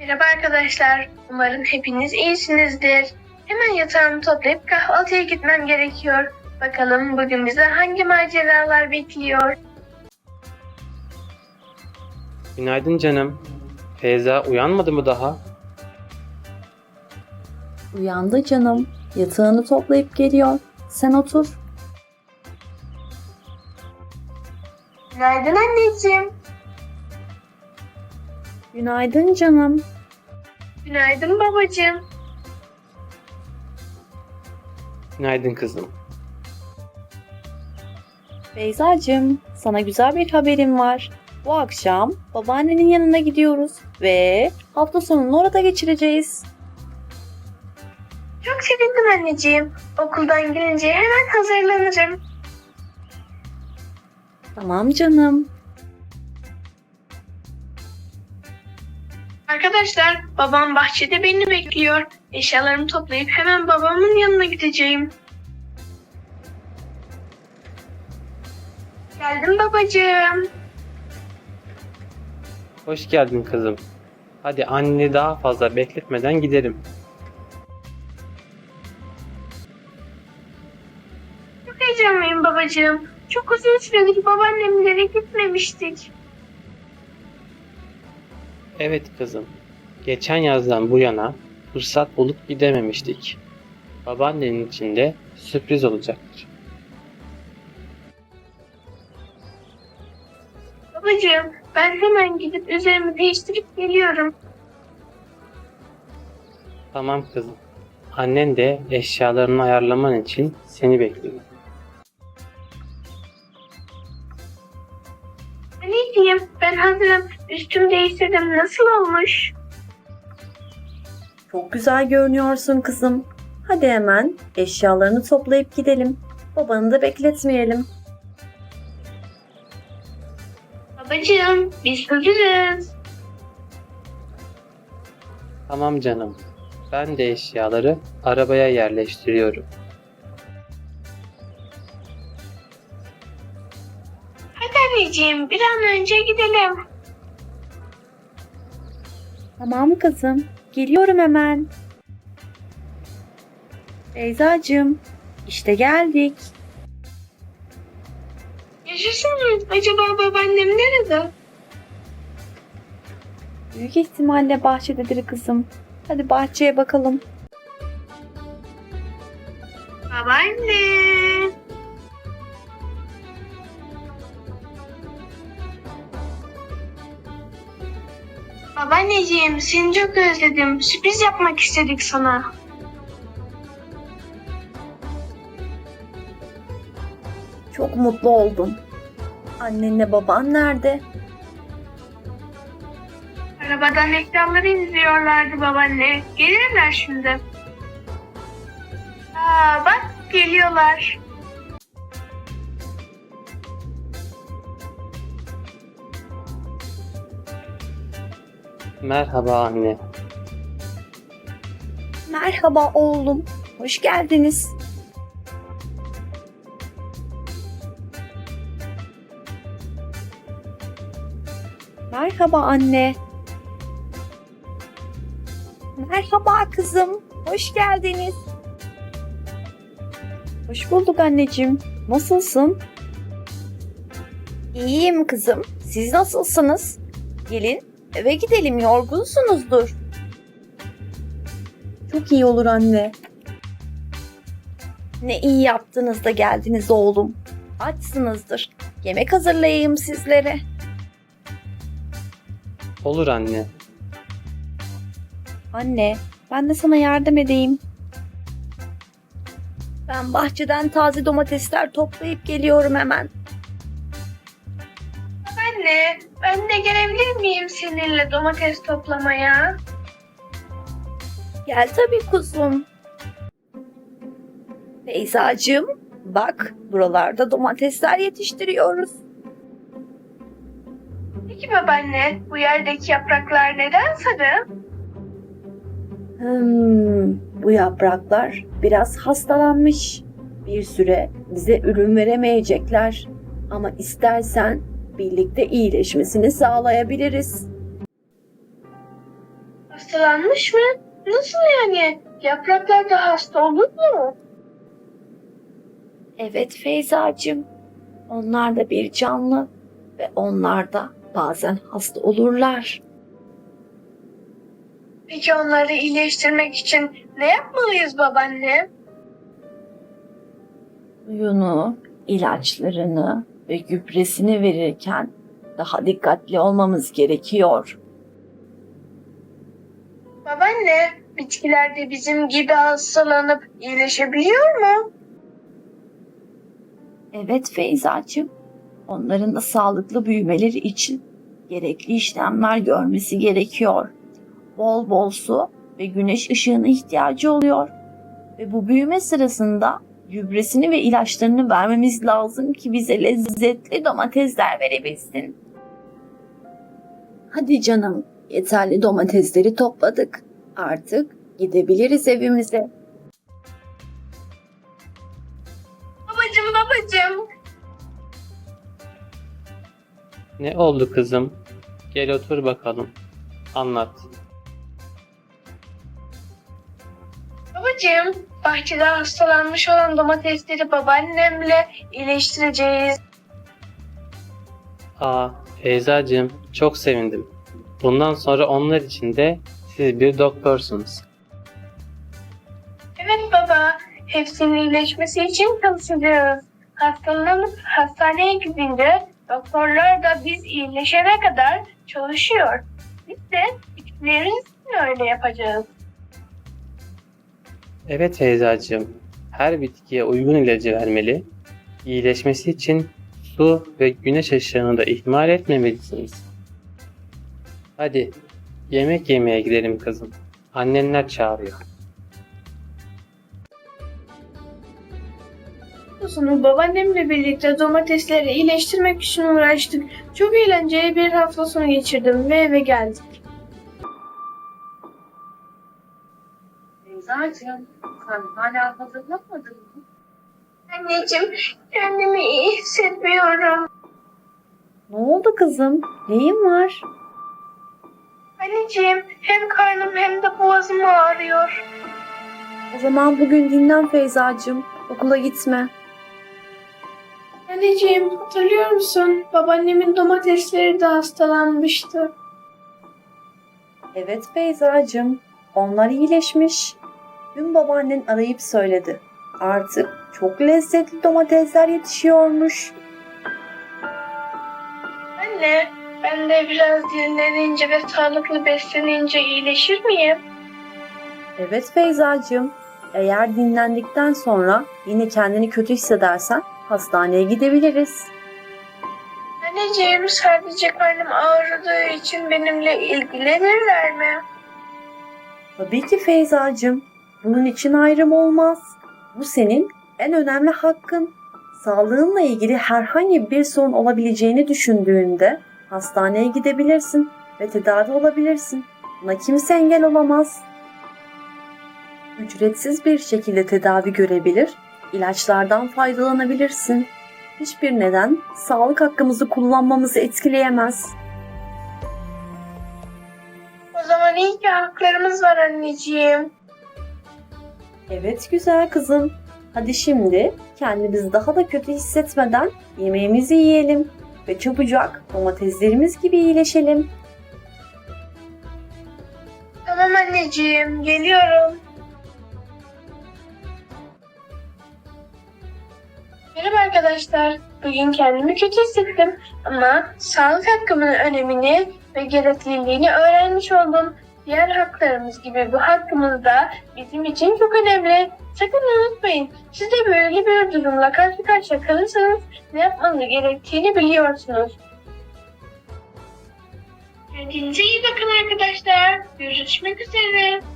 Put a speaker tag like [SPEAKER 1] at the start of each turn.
[SPEAKER 1] Merhaba arkadaşlar. Umarım hepiniz iyisinizdir. Hemen yatağımı toplayıp kahvaltıya gitmem gerekiyor. Bakalım bugün bize hangi maceralar bekliyor?
[SPEAKER 2] Günaydın canım. Feyza uyanmadı mı daha?
[SPEAKER 3] Uyandı canım. Yatağını toplayıp geliyor. Sen otur.
[SPEAKER 1] Günaydın anneciğim.
[SPEAKER 3] Günaydın canım.
[SPEAKER 1] Günaydın babacığım.
[SPEAKER 2] Günaydın kızım.
[SPEAKER 3] Beyzacığım, sana güzel bir haberim var. Bu akşam babaannenin yanına gidiyoruz ve hafta sonunu orada geçireceğiz.
[SPEAKER 1] Çok sevindim anneciğim. Okuldan gelince hemen hazırlanırım.
[SPEAKER 3] Tamam canım.
[SPEAKER 1] Arkadaşlar, babam bahçede beni bekliyor. Eşyalarımı toplayıp hemen babamın yanına gideceğim. Geldim babacığım.
[SPEAKER 2] Hoş geldin kızım. Hadi anneni daha fazla bekletmeden gidelim.
[SPEAKER 1] Çok heyecanlıyım babacığım. Çok uzun süredir babaannemlere gitmemiştik.
[SPEAKER 2] Evet kızım. Geçen yazdan bu yana fırsat bulup gidememiştik. Babaannenin için de sürpriz olacaktır.
[SPEAKER 1] Babacığım, ben hemen gidip üzerimi değiştirip geliyorum.
[SPEAKER 2] Tamam kızım. Annen de eşyalarını ayarlaman için seni bekliyor.
[SPEAKER 1] Ne diyeyim? Ben hazırım. Üstümü değiştirdim. Nasıl olmuş?
[SPEAKER 3] Çok güzel görünüyorsun kızım. Hadi hemen eşyalarını toplayıp gidelim. Babanı da bekletmeyelim.
[SPEAKER 1] Babacığım, biz hazırız.
[SPEAKER 2] Tamam canım. Ben de eşyaları arabaya yerleştiriyorum.
[SPEAKER 1] Hadi anneciğim, bir an önce gidelim.
[SPEAKER 3] Tamam kızım. Geliyorum hemen. Beyzacığım, işte geldik.
[SPEAKER 1] Yaşasın. Acaba babaannem nerede?
[SPEAKER 3] Büyük ihtimalle bahçededir kızım. Hadi bahçeye bakalım.
[SPEAKER 1] Babaanne. Babaanneciğim, seni çok özledim. Sürpriz yapmak istedik sana.
[SPEAKER 3] Çok mutlu oldum. Annenle baban nerede?
[SPEAKER 1] Arabadan ekranları izliyorlardı babaanne. Gelirler şimdi. Aa, bak geliyorlar.
[SPEAKER 2] Merhaba anne.
[SPEAKER 3] Merhaba oğlum. Hoş geldiniz. Merhaba anne. Merhaba kızım. Hoş geldiniz. Hoş bulduk anneciğim. Nasılsın? İyiyim kızım. Siz nasılsınız? Gelin eve gidelim, yorgunsunuzdur. Çok iyi olur anne. Ne iyi yaptınız da geldiniz oğlum. Açsınızdır. Yemek hazırlayayım sizlere.
[SPEAKER 2] Olur anne.
[SPEAKER 3] Anne, ben de sana yardım edeyim. Ben bahçeden taze domatesler toplayıp geliyorum hemen.
[SPEAKER 1] Anne, ben de gelebilir miyim seninle domates toplamaya?
[SPEAKER 3] Gel tabii kuzum. Beyzacığım, bak buralarda domatesler yetiştiriyoruz.
[SPEAKER 1] Peki babaanne, bu yerdeki yapraklar neden sarı?
[SPEAKER 3] Bu yapraklar biraz hastalanmış. Bir süre bize ürün veremeyecekler. Ama istersen birlikte iyileşmesini sağlayabiliriz.
[SPEAKER 1] Hastalanmış mı? Nasıl yani? Yapraklar da hasta olur mu?
[SPEAKER 3] Evet Feyzacığım, onlar da bir canlı ve onlar da bazen hasta olurlar.
[SPEAKER 1] Peki onları iyileştirmek için ne yapmalıyız babaanne?
[SPEAKER 3] Suyunu, ilaçlarını ve gübresini verirken daha dikkatli olmamız gerekiyor.
[SPEAKER 1] Babaanne, bitkiler de bizim gibi hastalanıp iyileşebiliyor mu?
[SPEAKER 3] Evet Feyzacığım, onların da sağlıklı büyümeleri için gerekli işlemler görmesi gerekiyor. Bol bol su ve güneş ışığına ihtiyacı oluyor. Ve bu büyüme sırasında gübresini ve ilaçlarını vermemiz lazım ki bize lezzetli domatesler verebilsin. Hadi canım, yeterli domatesleri topladık. Artık gidebiliriz evimize.
[SPEAKER 1] Babacığım.
[SPEAKER 2] Ne oldu kızım? Gel otur bakalım. Anlat.
[SPEAKER 1] Babacığım, bahçede hastalanmış olan domatesleri babaannemle iyileştireceğiz.
[SPEAKER 2] Aa, Feyzacığım, çok sevindim. Bundan sonra onlar için de siz bir doktorsunuz.
[SPEAKER 1] Evet baba, hepsinin iyileşmesi için çalışacağız. Hastalanıp hastaneye gidince doktorlar da biz iyileşene kadar çalışıyor. Biz de bitkilerin için öyle yapacağız.
[SPEAKER 2] Evet Feyzacığım, her bitkiye uygun ilacı vermeli, iyileşmesi için su ve güneş ışığını da ihmal etmemelisiniz. Hadi, yemek yemeye gidelim kızım. Annenler çağırıyor.
[SPEAKER 1] Bu sonu babaannemle birlikte domatesleri iyileştirmek için uğraştık. Çok eğlenceli bir hafta sonu geçirdim ve eve geldik.
[SPEAKER 3] Feyzacığım, sen hala hazırlamadın mı?
[SPEAKER 1] Anneciğim, kendimi iyi hissetmiyorum.
[SPEAKER 3] Ne oldu kızım? Neyin var?
[SPEAKER 1] Anneciğim, hem karnım hem de boğazım ağrıyor.
[SPEAKER 3] O zaman bugün dinlen Feyzacığım. Okula gitme.
[SPEAKER 1] Anneciğim, hatırlıyor musun? Babaannemin domatesleri de hastalanmıştı.
[SPEAKER 3] Evet Feyzacığım. Onlar iyileşmiş. Dün babaannen arayıp söyledi. Artık çok lezzetli domatesler yetişiyormuş.
[SPEAKER 1] Anne, ben de biraz dinlenince ve sağlıklı beslenince iyileşir miyim?
[SPEAKER 3] Evet Feyzacığım. Eğer dinlendikten sonra yine kendini kötü hissedersen hastaneye gidebiliriz.
[SPEAKER 1] Anneciğim, sadece karnım ağrıdığı için benimle ilgilenirler mi?
[SPEAKER 3] Tabii ki Feyzacığım. Bunun için ayrım olmaz. Bu senin en önemli hakkın. Sağlığınla ilgili herhangi bir sorun olabileceğini düşündüğünde hastaneye gidebilirsin ve tedavi olabilirsin. Buna kimse engel olamaz. Ücretsiz bir şekilde tedavi görebilir, ilaçlardan faydalanabilirsin. Hiçbir neden sağlık hakkımızı kullanmamızı etkileyemez.
[SPEAKER 1] O zaman iyi ki haklarımız var anneciğim.
[SPEAKER 3] Evet güzel kızım. Hadi şimdi kendimizi daha da kötü hissetmeden yemeğimizi yiyelim ve çabucak domateslerimiz gibi iyileşelim.
[SPEAKER 1] Tamam anneciğim, geliyorum. Merhaba arkadaşlar. Bugün kendimi kötü hissettim ama sağlık hakkımın önemini ve gerekliliğini öğrenmiş oldum. Diğer haklarımız gibi bu hakkımız da bizim için çok önemli. Sakın unutmayın. Siz de böyle bir durumla karşı karşıya kalırsanız ne yapmanız gerektiğini biliyorsunuz. Kendinize iyi bakın arkadaşlar. Görüşmek üzere.